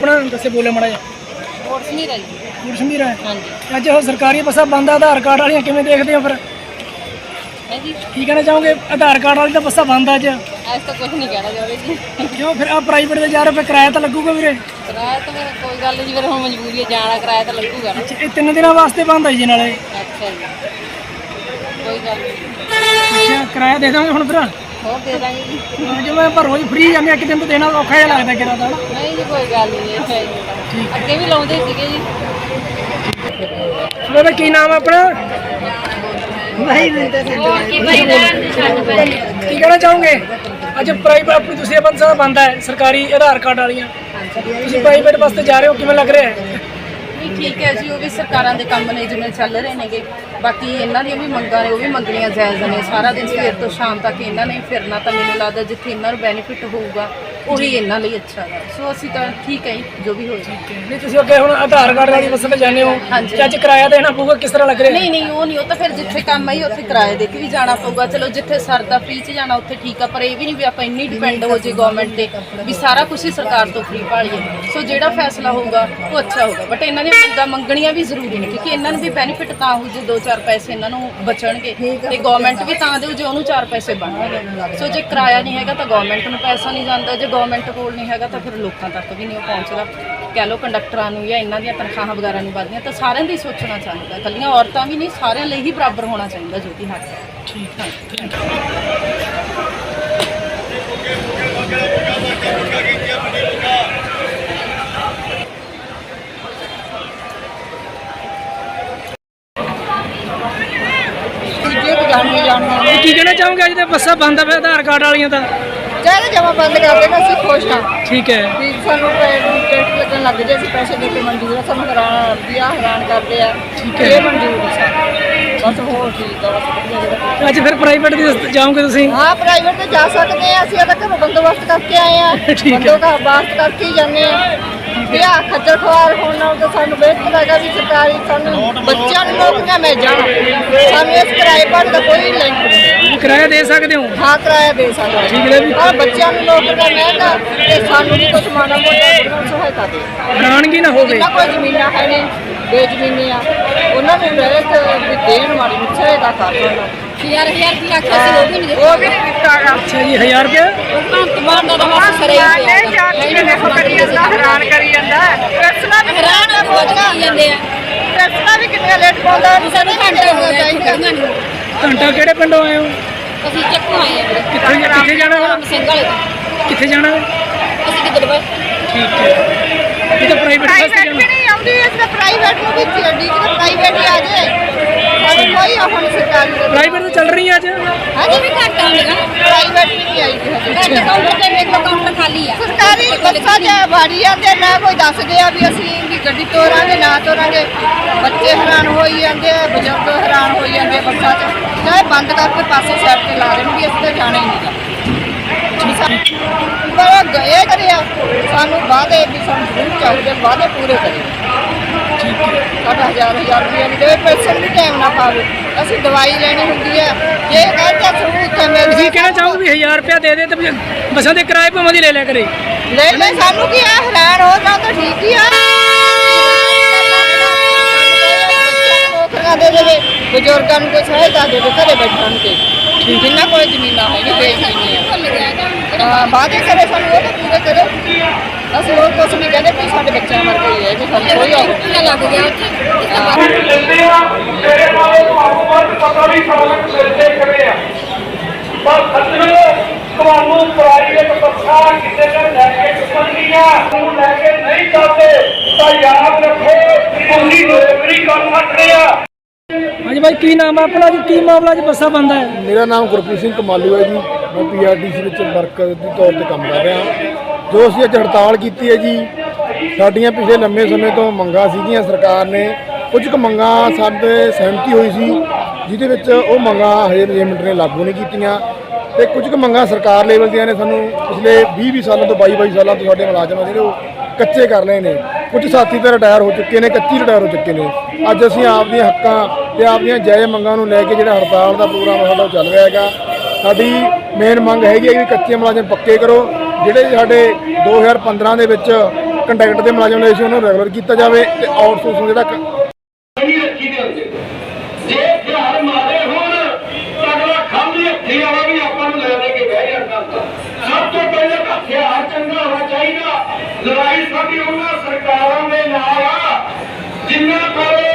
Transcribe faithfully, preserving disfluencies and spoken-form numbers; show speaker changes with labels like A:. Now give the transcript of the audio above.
A: अपना दसे बोले माड़ा जी
B: कोटशमीर है जी।
A: कोटशमीर है।
B: हाँ जी।
A: अज वो सरकारी बसा बंद है, आधार कार्ड वाली किवें देखते हो फिर?
B: है जी।
A: की कहना चाहोगे? आधार कार्ड वाली तो बसा बंद है अज।
B: ऐसा तो कुछ नहीं कहना चाहते जी।
A: क्यों फिर आप प्राइवेट से जा रहे हो, फिर किराया तो लगूगा वीरे?
B: किराया तो फिर कोई गल नहीं, फिर हम मजबूरी है जाना, किराया तो लगूगा ना।
A: अच्छा, ये तीन दिन वास्ते बंद है जी नाले?
B: अच्छा जी, कोई गल नहीं।
A: अच्छा, किराया दे दोगे हुण फिर?
B: और दे देंगे जी।
A: हाँ, जो मैं पर रोज फ्री जाने एक दिन तो देना औखा जिहा लगदा किराया दा।
B: नहीं जी, कोई गल नहीं है जी। अगे भी लाउंदे सीगे जी।
A: बाबा की नाम है अपना?
B: नहीं नहीं
A: की कहना चाहोगे? अज प्राइवेट अपनी दूसरी बंद बंद है, सरकारी आधार कार्ड वालियां, ਤੁਸੀਂ ਪ੍ਰਾਈਵੇਟ ਵਾਸਤੇ ਜਾ ਰਹੇ ਹੋ, ਕਿਵੇਂ ਲੱਗ ਰਿਹਾ ਹੈ?
B: ਨਹੀਂ ਠੀਕ ਹੈ ਜੀ, ਉਹ ਵੀ ਸਰਕਾਰਾਂ ਦੇ ਕੰਮ ਨੇ ਜਿਵੇਂ ਚੱਲ ਰਹੇ ਨੇਗੇ। ਬਾਕੀ ਇਹਨਾਂ ਦੀਆਂ ਵੀ ਮੰਗਾਂ ਨੇ, ਉਹ ਵੀ ਮੰਗਣੀਆਂ ਜਾਇਜ਼ ਨੇ। ਸਾਰਾ ਦਿਨ ਸਵੇਰ ਤੋਂ ਸ਼ਾਮ ਤੱਕ ਇਹਨਾਂ ਨੇ ਫਿਰਨਾ, ਤਾਂ ਮੈਨੂੰ ਲੱਗਦਾ ਜਿੱਥੇ ਇਹਨਾਂ ਨੂੰ ਬੈਨੀਫਿਟ ਹੋਊਗਾ ਉਹੀ ਇਹਨਾਂ ਲਈ ਅੱਛਾ ਹੈ। ਸੋ ਅਸੀਂ ਤਾਂ ਠੀਕ ਹੈ ਜੀ, ਜੋ ਵੀ ਹੋਏ।
A: ਨਹੀਂ ਤੁਸੀਂ ਅੱਗੇ ਹੁਣ ਆਧਾਰ ਕਾਰਡ ਵਾਲੀ ਬੱਸ ਤੇ ਜਾਂਦੇ ਹੋ,
B: ਹਾਂਜੀ।
A: ਅੱਜ ਕਿਰਾਇਆ ਦੇਣਾ ਪਊਗਾ, ਕਿਸ ਤਰ੍ਹਾਂ ਲੱਗ ਰਿਹਾ?
B: ਨਹੀਂ ਨਹੀਂ ਉਹ ਨਹੀਂ, ਉਹ ਤਾਂ ਫਿਰ ਜਿੱਥੇ ਕੰਮ ਆਈ ਉੱਥੇ ਕਿਰਾਏ ਦੇ ਕੇ ਵੀ ਜਾਣਾ ਪਊਗਾ। ਚਲੋ ਜਿੱਥੇ ਸਰਦਾ ਫ੍ਰੀ 'ਚ ਜਾਣਾ ਉੱਥੇ ਠੀਕ ਆ, ਪਰ ਇਹ ਵੀ ਨਹੀਂ ਵੀ ਆਪਾਂ ਇੰਨੀ ਡਿਪੈਂਡ ਹੋ ਜੇ ਗਵਰਨਮੈਂਟ ਤੇ ਵੀ ਸਾਰਾ ਕੁਝ ਹੀ ਸਰਕਾਰ ਤੋਂ ਫ੍ਰੀ ਭਾਲੀਏ। ਸੋ ਜਿਹੜਾ ਫੈਸਲਾ ਹੋਊਗਾ ਉਹ ਅੱਛਾ ਹੋਊਗਾ, ਬਟ ਇਹਨਾਂ ਦੀਆਂ ਮੰਗਾਂ ਮੰਗਣੀਆਂ ਵੀ ਜ਼ਰੂਰੀ ਨੇ, ਕਿਉਂਕਿ ਇਹਨਾਂ ਨੂੰ ਵੀ ਬੈਨੀਫਿਟ ਤਾਂ ਹੋ ਜੇ ਦੋ ਚਾਰ ਪੈਸੇ ਇਹਨਾਂ ਨੂੰ ਬਚਣਗੇ, ਤੇ ਗਵਰਨਮੈਂਟ ਵੀ ਤਾਂ ਦੇਊ ਜੇ ਉਹਨੂੰ ਚਾਰ ਪੈਸੇ ਬਣਨਗੇ। ਸੋ ਜੇ ਕਿਰਾਇਆ ਨਹੀਂ ਹੈਗਾ ਤਾਂ ਗਵਰਨਮੈਂਟ ਨੂੰ ਪੈਸਾ ਨਹੀਂ ਜਾਂਦਾ, ਜੇ ਗਵਰਨਮੈਂਟ ਕੋਲ ਨਹੀਂ ਹੈਗਾ ਤਾਂ ਫਿਰ ਲੋਕਾਂ ਤੱਕ ਵੀ ਨਹੀਂ ਉਹ ਪਹੁੰਚਦਾ। ਕਹਿ ਲਓ ਕੰਡਕਟਰਾਂ ਨੂੰ ਜਾਂ ਇਹਨਾਂ ਦੀਆਂ ਤਨਖਾਹਾਂ ਵਗੈਰਾ ਨਹੀਂ ਵੱਧਦੀਆਂ, ਤਾਂ ਸਾਰਿਆਂ ਦੀ ਸੋਚਣਾ ਚਾਹੀਦਾ, ਇਕੱਲੀਆਂ ਔਰਤਾਂ ਵੀ ਨਹੀਂ, ਸਾਰਿਆਂ ਲਈ ਹੀ ਬਰਾਬਰ ਹੋਣਾ ਚਾਹੀਦਾ ਜੋ ਕਿ ਹੱਕ ਹੈ।
A: ਠੀਕ ਹੈ। ਕੀ ਕਹਿਣਾ ਚਾਹੋਗੇ? ਅੱਜ ਤੇ ਬੱਸਾਂ ਬੰਦ ਆ, ਫਿਰ ਆਧਾਰ ਕਾਰਡ ਵਾਲੀਆਂ ਤਾਂ
C: ਚਾਹੇ ਜਮਾ ਬੰਦ ਕਰ ਦੇਣਾ, ਅਸੀਂ ਖੁਸ਼ ਹਾਂ।
A: ਠੀਕ ਹੈ।
C: ਵੀ ਸਾਨੂੰ ਟੈਕਸ ਲੱਗਣ ਲੱਗ ਜੇ, ਅਸੀਂ ਪੈਸੇ ਦੇ ਕੇ ਮਨਜ਼ੂਰ ਆ, ਸਾਨੂੰ ਹੈਰਾਨ ਵਿਆਹ ਹੈਰਾਨ ਕਰਦੇ ਆ।
A: ਠੀਕ ਹੈ।
C: ਇਹ ਮਨਜ਼ੂਰ ਹੈ ਸਾਨੂੰ, ਬਸ ਹੋਰ ਠੀਕ ਆ, ਬਸ ਵਧੀਆ ਜਿਹੜਾ।
A: ਅੱਜ ਫਿਰ ਪ੍ਰਾਈਵੇਟ ਦੀ ਜਾਓਗੇ ਤੁਸੀਂ?
C: ਹਾਂ ਪ੍ਰਾਈਵੇਟ ਤੇ ਜਾ ਸਕਦੇ ਆ, ਅਸੀਂ ਤਾਂ ਘਰੋਂ ਬੰਦੋਬਸਤ ਕਰਕੇ ਆਏ ਆ।
A: ਠੀਕ ਹੈ।
C: ਬੰਦੋਬਸਤ ਕਰਕੇ ਹੀ ਜਾਂਦੇ ਆ। ਵਿਆਹ ਖੱਜਲ ਖਵਾਰ ਹੋਣ ਨਾਲ ਤਾਂ ਸਾਨੂੰ ਬਿਹਤਰ ਹੈਗਾ ਵੀ ਸਰਕਾਰੀ ਸਾਨੂੰ ਬੱਚਿਆਂ ਨੂੰ ਨੌਕਰੀਆਂ ਮਿਲ ਜਾਣ। ਸਾਨੂੰ ਇਸ ਕਿਰਾਏ ਭਾੜੇ ਦਾ ਕੋਈ ਲਿੰਕ ਨਹੀਂ।
A: ਕਿਰਾਇਆ ਦੇ ਸਕਦੇ ਹੋ?
C: ਹਾਂ ਕਿਰਾਇਆ ਦੇ ਸਕਦੇ।
A: ਠੀਕ ਹੈ ਜੀ।
C: ਪਰ ਬੱਚਿਆਂ ਨੂੰ ਨੌਕਰੀਆਂ ਮਿਲਦਾ ਤੇ ਸਾਨੂੰ ਵੀ ਕੁਝ ਮਾੜਾ ਮੋਟਾ ਗੁਰੂ ਸਹਾਇਤਾ ਦੇ।
A: ਹੈਰਾਨਗੀ ਨਾ ਹੋਵੇ।
C: ਜਿੰਨਾ ਕੋਈ ਜ਼ਮੀਨਾਂ ਹੈ ਨੇ, ਬੇਜ਼ਮੀਨੇ ਆ, ਉਹਨਾਂ ਨੂੰ ਰਹਿਤ ਵੀ ਦੇਣ ਮਾੜੀ ਮੁੱਛ ਸਹਾਇਤਾ ਕਰ ਦੇਣਾ।
B: ਹਜ਼ਾਰ ਹਜ਼ਾਰ ਦੀ ਆਖਿਆ ਸੀ, ਉਹ ਵੀ ਨਹੀਂ
C: ਉਹ ਵੀ ਨਹੀਂ ਦਿੱਤਾ ਗਾ।
A: ਅੱਛਾ ਜੀ, ਹਜ਼ਾਰ ਰੁਪਇਆ
B: ਕਮਾਨ ਦਾ ਤਾਂ ਸਰੇ ਹੀ ਪਿਆ।
C: ਦੇਖੋ ਕਰੀ ਜਾਂਦਾ, ਹੈਰਾਨ ਕਰੀ ਜਾਂਦਾ। ਫੈਸਲਾ ਵੀ
B: ਹੈਰਾਨ ਹੋ ਜਾਂਦੇ ਆ।
C: ਫੈਸਲਾ ਵੀ ਕਿੰਨੇ ਲੇਟ ਪਾਉਂਦਾ,
B: ਸਾਨੂੰ ਘੰਟੇ ਹੋ ਗਏ ਖੜੀਆਂ ਨੂੰ।
A: ਘੰਟਾ ਕਿਹੜੇ ਪਿੰਡੋਂ ਆਏ ਹੋ?
B: ਅਸੀਂ ਚੱਕੋਂ ਆਏ ਆ ਵੀਰੇ।
A: ਕਿੱਥੇ ਕਿੱਥੇ ਜਾਣਾ ਵਾ?
B: ਸਿੰਘ ਵਾਲੇ ਤੋਂ।
A: ਕਿੱਥੇ ਜਾਣਾ?
B: ਅਸੀਂ ਕਿੱਧਰ ਬਸ
A: ਠੀਕ ਹੈ। ਇਹ ਤਾਂ ਪ੍ਰਾਈਵੇਟ ਬੱਸ ਤੇ
C: ਪ੍ਰਾਈਵੇਟ
A: ਜਾਣਾ।
C: ਵੀ ਨਹੀਂ ਆਉਂਦੀ, ਇਸ ਦਾ ਪ੍ਰਾਈਵੇਟ ਨੂੰ ਵੀ ਚੱਡੀ ਕਿ ਪ੍ਰਾਈਵੇਟ ਹੀ ਆ ਜੇ। ਸਾਨੂੰ ਕੋਈ ਉਹ ਨਹੀਂ ਸਰਕਾਰੀ ਦਾ।
A: ਪ੍ਰਾਈਵੇਟ ਤਾਂ ਚੱਲ ਰਹੀ ਹੈ ਅੱਜ?
C: ਹਾਂਜੀ ਵੀ ਘੱਟ ਆਉਂਦੀਆਂ, ਪ੍ਰਾਈਵੇਟ ਵੀ ਨਹੀਂ ਆਈ ਜੀ ਹਜੇ।
B: ਕਾਊਂਟਰ ਤੇ ਵੇਖ ਲਓ, ਕਾਊਂਟਰ ਖਾਲੀ ਆ।
C: ਸਰਕਾਰੀ ਬੱਸਾਂ 'ਚ ਵਾੜੀ ਜਾਂਦੇ, ਨਾ ਕੋਈ ਦੱਸਦੇ ਆ ਵੀ ਅਸੀਂ ਵੀ ਗੱਡੀ ਤੋਰਾਂਗੇ ਨਾ ਤੋਰਾਂਗੇ। ਬੱਚੇ ਹੈਰਾਨ ਹੋਈ ਜਾਂਦੇ ਆ, ਬਜ਼ੁਰਗ ਹੈਰਾਨ ਹੋਈ ਜਾਂਦੇ ਆ ਬੱਸਾਂ 'ਚ। ਚਾਹੇ ਬੰਦ ਕਰਕੇ ਪਾਸੇ ਸਾਈਡ ਤੇ ਲਾ ਦੇਣਗੇ, ਅਸੀਂ ਤਾਂ ਜਾਣਾ ਹੀ ਨਹੀਂ ਗਾ। ਪਰ ਗਏ ਕਰਿਆ ਸਾਨੂੰ ਵਾਅਦੇ ਵੀ ਸਾਨੂੰ ਜ਼ਰੂਰ ਚਾਹੀਦੇ, ਵਾਅਦੇ ਪੂਰੇ ਕਰੇ। ਸਾਡਾ ਹਜ਼ਾਰ ਹਜ਼ਾਰ ਰੁਪਇਆ ਨਹੀਂ ਦੇਵੇ, ਪੈਸੇ ਵੀ ਟਾਈਮ ਨਾ ਪਾਵੇ। ਅਸੀਂ ਦਵਾਈ ਲੈਣੀ ਹੁੰਦੀ ਹੈ, ਜੇ ਕਹਿੰਦੇ ਸਹੂਲਤ ਮਿਲ
A: ਤੁਸੀਂ ਕਹਿਣਾ ਚਾਹੋਗੇ ਵੀ ਹਜ਼ਾਰ ਰੁਪਇਆ ਦੇ ਦੇ ਤੇ ਬੱਸਾਂ ਦੇ ਕਿਰਾਏ ਭਾਵੇਂ ਦੀ ਲੈ ਲਿਆ ਕਰੇ?
C: ਲੈ ਲੈ, ਸਾਨੂੰ ਕੀ ਆ, ਹੈਰਾਨ ਹੋ ਜਾਣਾ ਤਾਂ ਠੀਕ ਹੀ ਆ। ਨੌਕਰੀਆਂ ਦੇ ਦੇਵੇ, ਬਜ਼ੁਰਗਾਂ ਨੂੰ ਕੋਈ ਸਹਾਇਤਾ ਦੇ ਦੇ, ਘਰੇ ਬੈਠਣ ਤੇ। ਜਿੰਨਾ ਕੋਈ ਜ਼ਮੀਨਾਂ ਹੈ ਨਹੀਂ ਵੇਚਣੀ ਆ। ਹਾਂ ਵਾਅਦੇ ਕਰੇ ਸਾਨੂੰ, ਉਹ ਤਾਂ ਪੂਰੇ ਕਰੇ। ਅਸੀਂ ਹੋਰ ਕੁਛ ਨਹੀਂ ਕਹਿੰਦੇ ਵੀ ਸਾਡੇ ਬੱਚਿਆਂ ਵਰਗਾ ਹੀ ਹੈ, ਵੀ ਸਾਨੂੰ ਕੋਈ ਔਖ ਨਹੀਂ।
B: ਲੱਗ ਗਿਆ ਉੱਥੇ।
D: ਲੈਂਦੇ ਆ ਤੇਰੇ ਨਾਲੋਂ ਤੁਹਾਨੂੰ ਵੱਧ ਪਤਾ ਵੀ ਸਾਲਕ ਮਿਲਦੇ ਕਰੇ ਆ। ਬਸ ਸੱਜਣੋ, ਤੁਹਾਨੂੰ ਪ੍ਰਾਈਵੇਟ ਬੱਸਾਂ ਕਿਸੇ ਨੇ ਲੈ ਕੇ ਚੁੱਕਣਗੀਆਂ, ਨੂੰ ਲੈ ਕੇ ਨਹੀਂ ਜਾਂਦੇ ਤਾਂ ਯਾਦ ਰੱਖੋ ਤੁਸੀਂ ਨੌਕਰੀ ਕਰ ਸਕਦੇ ਆ।
A: ਹਾਂਜੀ ਭਾਈ, ਕੀ ਨਾਮ ਹੈ ਆਪਣਾ ਜੀ? ਕੀ ਮਾਮਲਾ ਅੱਜ ਬੱਸਾਂ ਬੰਦ ਹੈ?
E: ਮੇਰਾ ਨਾਮ ਗੁਰਪ੍ਰੀਤ ਸਿੰਘ ਕਮਾਲੂ ਹੈ ਜੀ। ਮੈਂ ਪੀ ਆਰ ਟੀ ਸੀ ਵਿੱਚ ਵਰਕਰ ਦੇ ਤੌਰ ਤੇ ਕੰਮ ਕਰ ਰਿਹਾ। ਜੋ ਅਸੀਂ ਅੱਜ ਹੜਤਾਲ ਕੀਤੀ ਹੈ ਜੀ, ਸਾਡੀਆਂ ਪਿਛਲੇ ਲੰਮੇ ਸਮੇਂ ਤੋਂ ਮੰਗਾਂ ਸੀਗੀਆਂ। ਸਰਕਾਰ ਨੇ ਕੁਝ ਕੁ ਮੰਗਾਂ ਸਾਡੇ ਸਹਿਮਤੀ ਹੋਈ ਸੀ, ਜਿਹਦੇ ਵਿੱਚ ਉਹ ਮੰਗਾਂ ਹਜੇ ਮੈਨੇਜਮੈਂਟ ਨੇ ਲਾਗੂ ਨਹੀਂ ਕੀਤੀਆਂ, ਤੇ ਕੁਝ ਕੁ ਮੰਗਾਂ ਸਰਕਾਰ ਲੈਵਲ ਦੀਆਂ ਨੇ ਸਾਨੂੰ ਪਿਛਲੇ ਵੀਹ ਵੀਹ ਸਾਲਾਂ ਤੋਂ ਬਾਈ ਬਾਈ ਸਾਲਾਂ ਤੋਂ ਸਾਡੇ ਮੁਲਾਜ਼ਮ ਜਿਹੜੇ ਉਹ ਕੱਚੇ ਕਰ ਲਏ ਨੇ। ਕੁਝ ਸਾਥੀ ਤਾਂ ਰਿਟਾਇਰ ਹੋ ਚੁੱਕੇ ਨੇ, ਕੱਚੀ ਰਿਟਾਇਰ ਹੋ ਚੁੱਕੇ ਨੇ। ਅੱਜ ਅਸੀਂ ਆਪਦੀਆਂ ਹੱਕਾਂ ਤੇ ਆਪਦੀਆਂ ਜਾਇਜ਼ ਮੰਗਾਂ ਨੂੰ ਲੈ ਕੇ ਜਿਹੜਾ ਹੜਤਾਲ ਦਾ ਪ੍ਰੋਗਰਾਮ ਸਾਡਾ ਚੱਲ ਰਿਹਾ ਹੈਗਾ। ਸਾਡੀ ਮੇਨ ਮੰਗ ਹੈਗੀ ਹੈ ਵੀ ਕੱਚੇ ਮੁਲਾਜ਼ਮ ਪੱਕੇ ਕਰੋ। ਜਿਹੜੇ ਸਾਡੇ ਦੋ ਹਜ਼ਾਰ ਪੰਦਰਾਂ ਦੇ ਵਿੱਚ ਕੰਟੈਕਟ ਦੇ ਮੁਲਾਜ਼ਮ ਲਏ ਸੀ ਉਹਨਾਂ ਨੂੰ ਰੈਗੂਲਰ ਕੀਤਾ ਜਾਵੇ ਤੇ ਆਊਟਸੋਰਸਿੰਗ ਜਿਹੜਾ ਕ-
D: ਨਹੀਂ ਰੱਖੀ ਦੇ ਹੁੰਦੇ ਜੇ ਹਥਿਆਰ ਮਾਰੇ ਹੋਣ ਤਾਂ ਅਗਲਾ ਖਾਲੀ ਹੱਥੀ ਵਾਲਾ ਵੀ ਆਪਾਂ ਨੂੰ ਲੈ ਲੈ ਕੇ ਬਹਿ ਜਾਂਦਾ ਹੁੰਦਾ। ਸਭ ਤੋਂ ਪਹਿਲਾਂ ਤਾਂ ਹਥਿਆਰ ਚੰਗਾ ਹੋਣਾ ਚਾਹੀਦਾ। ਲੜਾਈ ਸਾਡੀ ਉਹਨਾਂ ਸਰਕਾਰਾਂ ਦੇ ਨਾਲ ਆ ਜਿਨ੍ਹਾਂ ਕੋਲ